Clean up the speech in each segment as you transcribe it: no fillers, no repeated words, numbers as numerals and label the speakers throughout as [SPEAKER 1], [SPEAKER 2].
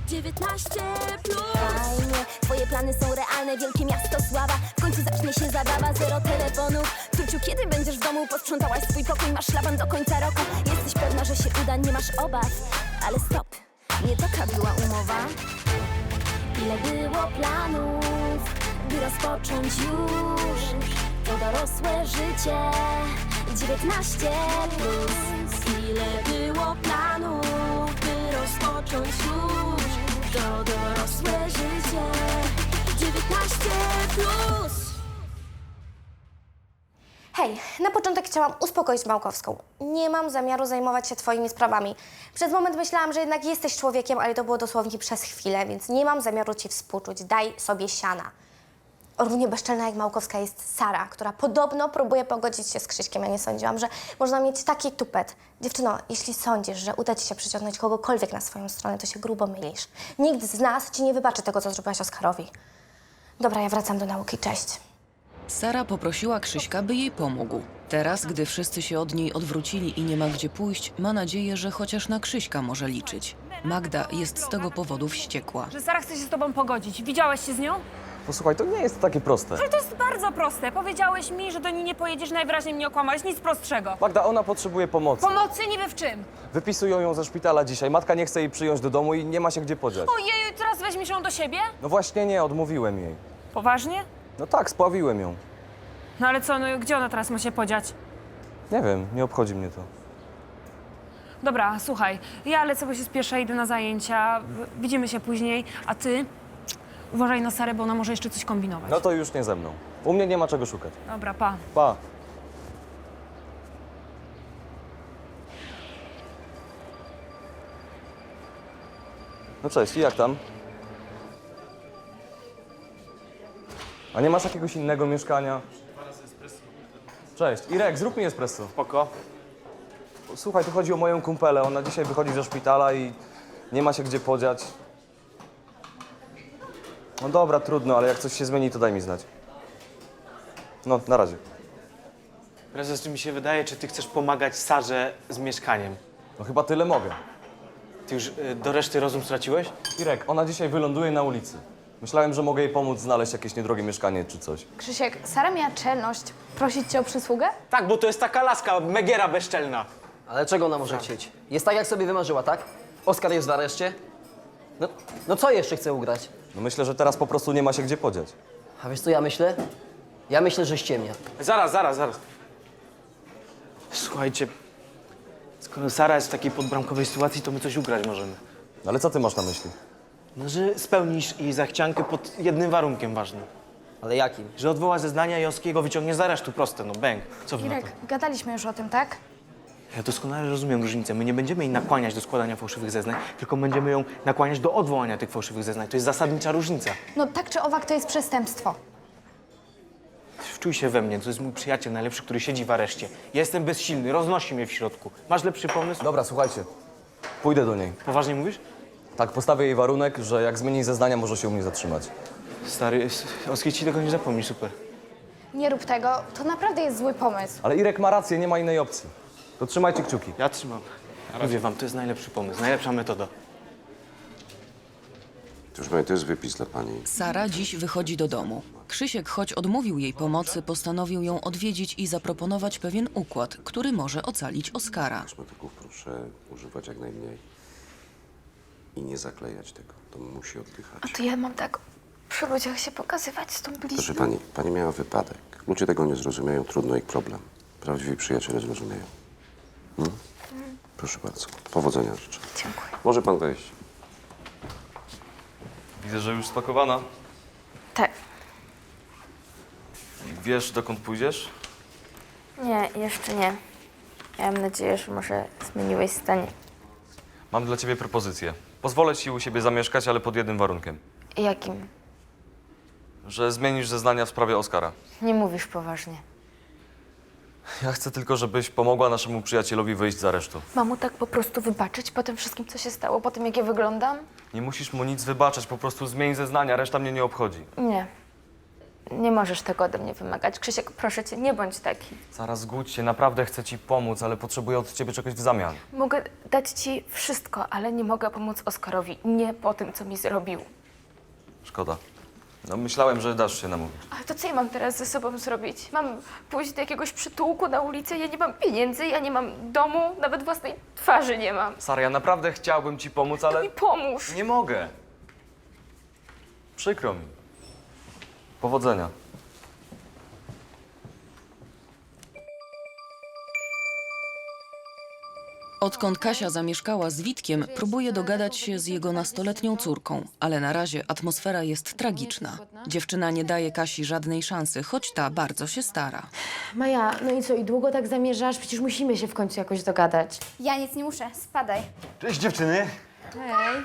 [SPEAKER 1] 19 plus. Fajnie, twoje plany są realne, wielkie miasto sława. W końcu zacznie się zabawa, zero telefonów. Tuciu, kiedy będziesz w domu? Posprzątałaś swój pokój, masz szlaban do końca roku. Jesteś pewna, że się uda, nie masz obaw. Ale stop, nie taka była umowa. Ile było planów, by rozpocząć już to dorosłe życie. 19 plus. Ile było planów, by rozpocząć już to dorosłe życie. 19 plus.
[SPEAKER 2] Hej, na początek chciałam uspokoić Małkowską. Nie mam zamiaru zajmować się twoimi sprawami. Przez moment myślałam, że jednak jesteś człowiekiem, ale to było dosłownie przez chwilę, więc nie mam zamiaru ci współczuć. Daj sobie siana. Równie bezczelna jak Małkowska jest Sara, która podobno próbuje pogodzić się z Krzyśkiem. Ja nie sądziłam, że można mieć taki tupet. Dziewczyno, jeśli sądzisz, że uda ci się przyciągnąć kogokolwiek na swoją stronę, to się grubo mylisz. Nikt z nas ci nie wybaczy tego, co zrobiłaś Oskarowi. Dobra, ja wracam do nauki. Cześć.
[SPEAKER 3] Sara poprosiła Krzyśka, by jej pomógł. Teraz, gdy wszyscy się od niej odwrócili i nie ma gdzie pójść, ma nadzieję, że chociaż na Krzyśka może liczyć. Magda jest z tego powodu wściekła.
[SPEAKER 4] Że Sara chce się z tobą pogodzić. Widziałeś się z nią?
[SPEAKER 5] Posłuchaj, to nie jest takie proste.
[SPEAKER 4] Ale to jest bardzo proste. Powiedziałeś mi, że do niej nie pojedziesz, najwyraźniej mnie okłamałeś. Nic prostszego.
[SPEAKER 5] Magda, ona potrzebuje pomocy.
[SPEAKER 4] Pomocy niby w czym?
[SPEAKER 5] Wypisują ją ze szpitala dzisiaj. Matka nie chce jej przyjąć do domu i nie ma się gdzie podziać.
[SPEAKER 4] Ojeju, teraz weźmiesz ją do siebie?
[SPEAKER 5] No właśnie nie, odmówiłem jej.
[SPEAKER 4] Poważnie?
[SPEAKER 5] No tak, spławiłem ją.
[SPEAKER 4] No ale co, no gdzie ona teraz ma się podziać?
[SPEAKER 5] Nie wiem, nie obchodzi mnie to.
[SPEAKER 4] Dobra, słuchaj, ja lecę, bo się spieszę, idę na zajęcia. Widzimy się później, a ty uważaj na Sarę, bo ona może jeszcze coś kombinować.
[SPEAKER 5] No to już nie ze mną. U mnie nie ma czego szukać.
[SPEAKER 4] Dobra, pa.
[SPEAKER 5] Pa. No cześć, i jak tam? A nie masz jakiegoś innego mieszkania? Cześć, Irek, zrób mi espresso.
[SPEAKER 6] Spoko.
[SPEAKER 5] Słuchaj, tu chodzi o moją kumpelę. Ona dzisiaj wychodzi ze szpitala i nie ma się gdzie podziać. No dobra, trudno, ale jak coś się zmieni, to daj mi znać. No, na razie.
[SPEAKER 6] Prezes, czy mi się wydaje, czy ty chcesz pomagać Sarze z mieszkaniem?
[SPEAKER 5] No chyba tyle mogę.
[SPEAKER 6] Ty już do reszty rozum straciłeś?
[SPEAKER 5] Irek, ona dzisiaj wyląduje na ulicy. Myślałem, że mogę jej pomóc znaleźć jakieś niedrogie mieszkanie czy coś.
[SPEAKER 7] Krzysiek, Sara miała czelność prosić cię o przysługę?
[SPEAKER 6] Tak, bo to jest taka laska, megiera bezczelna.
[SPEAKER 8] Ale czego ona może chcieć? Jest tak, jak sobie wymarzyła, tak? Oskar jest w areszcie? No co jeszcze chce ugrać?
[SPEAKER 5] No myślę, że teraz po prostu nie ma się gdzie podziać.
[SPEAKER 8] A wiesz co ja myślę? Ja myślę, że ściemnia.
[SPEAKER 6] Zaraz. Słuchajcie, skoro Sara jest w takiej podbramkowej sytuacji, to my coś ugrać możemy.
[SPEAKER 5] Ale co ty masz na myśli?
[SPEAKER 6] No, że spełnisz jej zachciankę pod jednym warunkiem ważnym.
[SPEAKER 8] Ale jakim?
[SPEAKER 6] Że odwoła zeznania i Oskiego wyciągnie z aresztu, proste, no bęk. Co wy na to?
[SPEAKER 7] Irek, gadaliśmy już o tym, tak?
[SPEAKER 6] Ja doskonale rozumiem różnicę. My nie będziemy jej nakłaniać do składania fałszywych zeznań, tylko będziemy ją nakłaniać do odwołania tych fałszywych zeznań. To jest zasadnicza różnica.
[SPEAKER 7] No tak czy owak to jest przestępstwo.
[SPEAKER 6] Wczuj się we mnie, to jest mój przyjaciel najlepszy, który siedzi w areszcie. Ja jestem bezsilny, roznosi mnie w środku. Masz lepszy pomysł?
[SPEAKER 5] Dobra, słuchajcie. Pójdę do niej.
[SPEAKER 6] Poważnie mówisz?
[SPEAKER 5] Tak, postawię jej warunek, że jak zmieni zeznania, może się u mnie zatrzymać.
[SPEAKER 6] Stary, Oski ci tego nie zapomni, super.
[SPEAKER 7] Nie rób tego, to naprawdę jest zły pomysł.
[SPEAKER 5] Ale Irek ma rację, nie ma innej opcji. To trzymajcie kciuki.
[SPEAKER 6] Ja trzymam. Mówię wam, to jest najlepszy pomysł, najlepsza metoda.
[SPEAKER 9] Proszę pani, to jest wypis dla pani.
[SPEAKER 3] Sara dziś wychodzi do domu. Krzysiek, choć odmówił jej pomocy, postanowił ją odwiedzić i zaproponować pewien układ, który może ocalić Oskara.
[SPEAKER 9] Kosmetyków proszę używać jak najmniej. I nie zaklejać tego. To musi oddychać.
[SPEAKER 7] A to ja mam tak przy ludziach się pokazywać z tą
[SPEAKER 9] Proszę
[SPEAKER 7] blizną.
[SPEAKER 9] pani miała wypadek. Ludzie tego nie zrozumieją, trudno ich problem. Prawdziwi przyjaciele zrozumieją. Proszę bardzo. Powodzenia życzę.
[SPEAKER 7] Dziękuję.
[SPEAKER 9] Może pan wejść.
[SPEAKER 5] Widzę, że już spakowana.
[SPEAKER 10] Tak.
[SPEAKER 5] Wiesz, dokąd pójdziesz?
[SPEAKER 10] Nie, jeszcze nie. Miałam nadzieję, że może zmieniłeś zdanie.
[SPEAKER 5] Mam dla ciebie propozycję. Pozwolę ci u siebie zamieszkać, ale pod jednym warunkiem.
[SPEAKER 10] Jakim?
[SPEAKER 5] Że zmienisz zeznania w sprawie Oskara.
[SPEAKER 10] Nie mówisz poważnie.
[SPEAKER 5] Ja chcę tylko, żebyś pomogła naszemu przyjacielowi wyjść z aresztu.
[SPEAKER 7] Mam mu tak po prostu wybaczyć po tym wszystkim, co się stało, po tym, jak ja wyglądam?
[SPEAKER 5] Nie musisz mu nic wybaczać, po prostu zmień zeznania, reszta mnie nie obchodzi.
[SPEAKER 10] Nie. Nie możesz tego ode mnie wymagać. Krzysiek, proszę cię, nie bądź taki.
[SPEAKER 5] Sara, zgódź się, naprawdę chcę ci pomóc, ale potrzebuję od ciebie czegoś w zamian.
[SPEAKER 10] Mogę dać ci wszystko, ale nie mogę pomóc Oskarowi. Nie po tym, co mi zrobił.
[SPEAKER 5] Szkoda. No myślałem, że dasz się namówić.
[SPEAKER 10] Ale to co ja mam teraz ze sobą zrobić? Mam pójść do jakiegoś przytułku na ulicę? Ja nie mam pieniędzy, ja nie mam domu, nawet własnej twarzy nie mam.
[SPEAKER 5] Sara, ja naprawdę chciałbym ci pomóc,
[SPEAKER 10] To
[SPEAKER 5] ale
[SPEAKER 10] mi pomóż.
[SPEAKER 5] nie mogę. Przykro mi. Powodzenia.
[SPEAKER 3] Odkąd Kasia zamieszkała z Witkiem, próbuje dogadać się z jego nastoletnią córką, ale na razie atmosfera jest tragiczna. Dziewczyna nie daje Kasi żadnej szansy, choć ta bardzo się stara.
[SPEAKER 7] Maja, no i co, i długo tak zamierzasz? Przecież musimy się w końcu jakoś dogadać.
[SPEAKER 1] Ja nic nie muszę, spadaj.
[SPEAKER 11] Cześć dziewczyny!
[SPEAKER 7] Hej.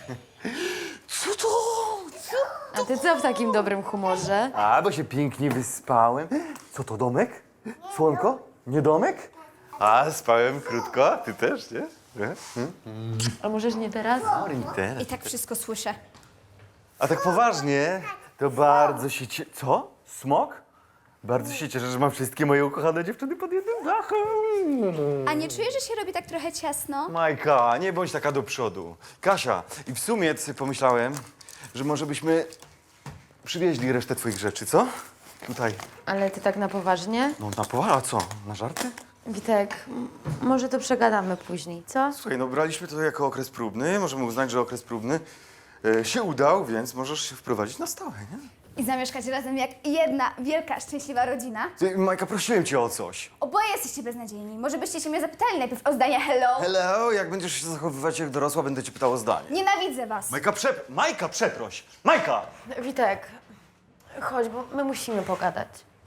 [SPEAKER 7] A ty co w takim dobrym humorze?
[SPEAKER 11] A, bo się pięknie wyspałem. Co to, domek? Słonko? Nie domek? A, spałem krótko, ty też, nie?
[SPEAKER 7] A możesz nie teraz?
[SPEAKER 11] Teraz.
[SPEAKER 1] I tak wszystko słyszę.
[SPEAKER 11] A tak poważnie, to bardzo się Co? Smok? Bardzo się cieszę, że mam wszystkie moje ukochane dziewczyny pod jednym dachem.
[SPEAKER 1] A nie czujesz, że się robi tak trochę ciasno?
[SPEAKER 11] Majka, nie bądź taka do przodu. Kasia, i w sumie sobie pomyślałem, że może byśmy przywieźli resztę twoich rzeczy, co? Tutaj.
[SPEAKER 7] Ale ty tak na poważnie?
[SPEAKER 11] No na poważnie, a co? Na żarty?
[SPEAKER 7] Witek, może to przegadamy później, co?
[SPEAKER 11] Słuchaj, no braliśmy to jako okres próbny. Możemy uznać, że okres próbny się udał, więc możesz się wprowadzić na stałe, nie?
[SPEAKER 1] I zamieszkać razem jak jedna wielka, szczęśliwa rodzina?
[SPEAKER 11] Ty, Majka, prosiłem cię o coś.
[SPEAKER 1] Oboje jesteście beznadziejni. Może byście się mnie zapytali najpierw o zdanie hello?
[SPEAKER 11] Hello, jak będziesz się zachowywać jak dorosła, będę cię pytał o zdanie.
[SPEAKER 1] Nienawidzę was.
[SPEAKER 11] Majka, przeproś! Majka!
[SPEAKER 7] Witek, chodź, bo my musimy pogadać.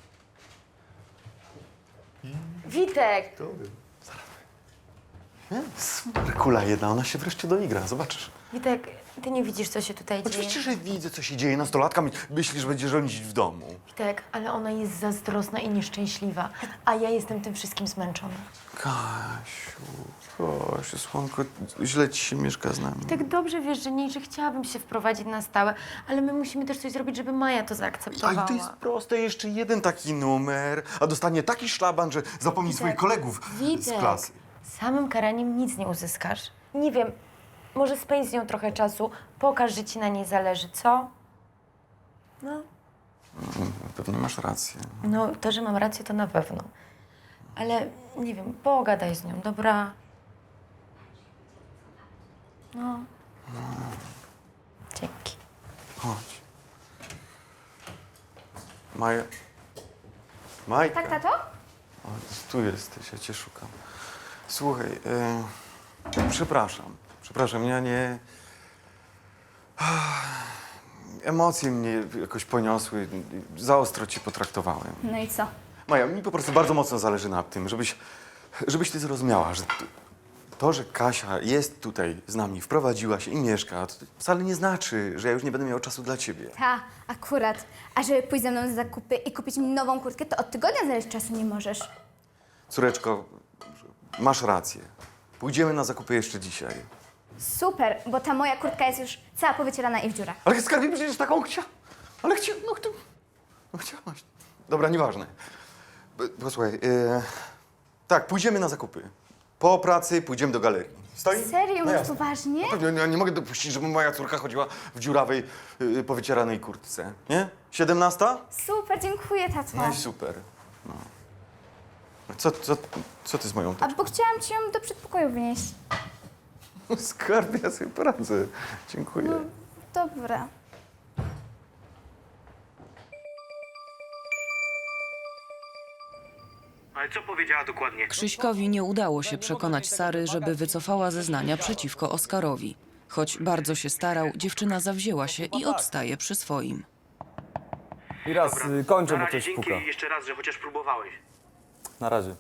[SPEAKER 7] Witek!
[SPEAKER 11] Super, kula jedna, ona się wreszcie doigra, zobaczysz.
[SPEAKER 7] Witek, ty nie widzisz, co się tutaj dzieje?
[SPEAKER 11] Oczywiście, że widzę, co się dzieje. Nastolatka myśli, że będzie rządzić w domu.
[SPEAKER 7] Witek, ale ona jest zazdrosna i nieszczęśliwa, a ja jestem tym wszystkim zmęczona.
[SPEAKER 11] Kasiu, słonko, źle ci się mieszka z nami.
[SPEAKER 7] Tak dobrze wiesz, że nie, że chciałabym się wprowadzić na stałe, ale my musimy też coś zrobić, żeby Maja to zaakceptowała.
[SPEAKER 11] Ale to jest proste, jeszcze jeden taki numer, a dostanie taki szlaban, że zapomni swoich kolegów z
[SPEAKER 7] Witek,
[SPEAKER 11] klasy.
[SPEAKER 7] samym karaniem nic nie uzyskasz. Nie wiem, może spędź z nią trochę czasu, pokaż, że ci na niej zależy, co? No.
[SPEAKER 11] Pewnie masz rację.
[SPEAKER 7] No, to, że mam rację, to na pewno. Ale, nie wiem, pogadaj z nią, dobra? No. Dzięki.
[SPEAKER 11] Chodź. Majka.
[SPEAKER 1] Tak, tato?
[SPEAKER 11] O, tu jesteś, ja cię szukam. Słuchaj, przepraszam, ja nie... Emocje mnie jakoś poniosły, za ostro cię potraktowałem.
[SPEAKER 1] No i co?
[SPEAKER 11] Maja, mi po prostu bardzo mocno zależy na tym, żebyś ty zrozumiała, że to, że Kasia jest tutaj z nami, wprowadziła się i mieszka, to wcale nie znaczy, że ja już nie będę miał czasu dla ciebie.
[SPEAKER 1] Ta, akurat. A żeby pójść ze mną na zakupy i kupić mi nową kurtkę, to od tygodnia znaleźć czasu nie możesz.
[SPEAKER 11] Córeczko, masz rację. Pójdziemy na zakupy jeszcze dzisiaj.
[SPEAKER 1] Super, bo ta moja kurtka jest już cała powycierana i w dziurach.
[SPEAKER 11] Ale skarbie przecież taką chciałaś. Dobra, nieważne. Posłuchaj, tak, pójdziemy na zakupy. Po pracy pójdziemy do galerii. Stoi?
[SPEAKER 1] Serio?
[SPEAKER 11] No
[SPEAKER 1] Mówisz
[SPEAKER 11] jasne.
[SPEAKER 1] poważnie?
[SPEAKER 11] Pewnie, ja nie mogę dopuścić, żeby moja córka chodziła w dziurawej, powycieranej kurtce. Nie? 17?
[SPEAKER 1] Super, dziękuję, tato.
[SPEAKER 11] No i super. No. Co ty z moją
[SPEAKER 1] A bo chciałam ci ją do przedpokoju wynieść.
[SPEAKER 11] Skarbie, ja sobie poradzę. Dziękuję.
[SPEAKER 1] Dobra.
[SPEAKER 6] Ale co powiedziała dokładnie?
[SPEAKER 3] Krzyśkowi nie udało się przekonać Sary, żeby wycofała zeznania przeciwko Oskarowi. Choć bardzo się starał, dziewczyna zawzięła się i odstaje przy swoim.
[SPEAKER 5] I raz, kończę, bo ktoś puka.
[SPEAKER 6] jeszcze raz, że chociaż próbowałeś.
[SPEAKER 5] Na razie.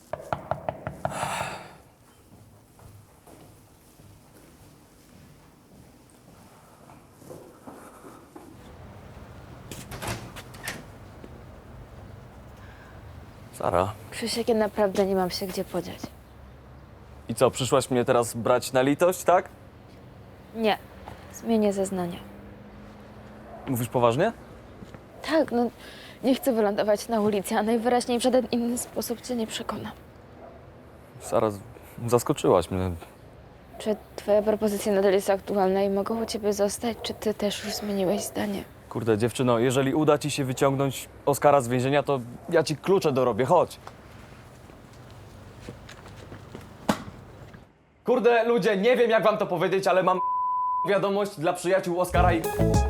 [SPEAKER 5] Sara,
[SPEAKER 10] Krzysiek, ja naprawdę nie mam się gdzie podziać.
[SPEAKER 5] i co, przyszłaś mnie teraz brać na litość, tak?
[SPEAKER 10] Nie, zmienię zeznania.
[SPEAKER 5] Mówisz poważnie?
[SPEAKER 10] Tak, no nie chcę wylądować na ulicy, a najwyraźniej w żaden inny sposób cię nie przekona.
[SPEAKER 5] Sara, zaskoczyłaś mnie.
[SPEAKER 10] Czy twoja propozycja nadal jest aktualna i mogę u ciebie zostać, czy ty też już zmieniłeś zdanie?
[SPEAKER 5] Kurde, dziewczyno, jeżeli uda ci się wyciągnąć Oskara z więzienia, to ja ci klucze dorobię, chodź. Kurde, ludzie, nie wiem jak wam to powiedzieć, ale mam wiadomość dla przyjaciół Oskara i...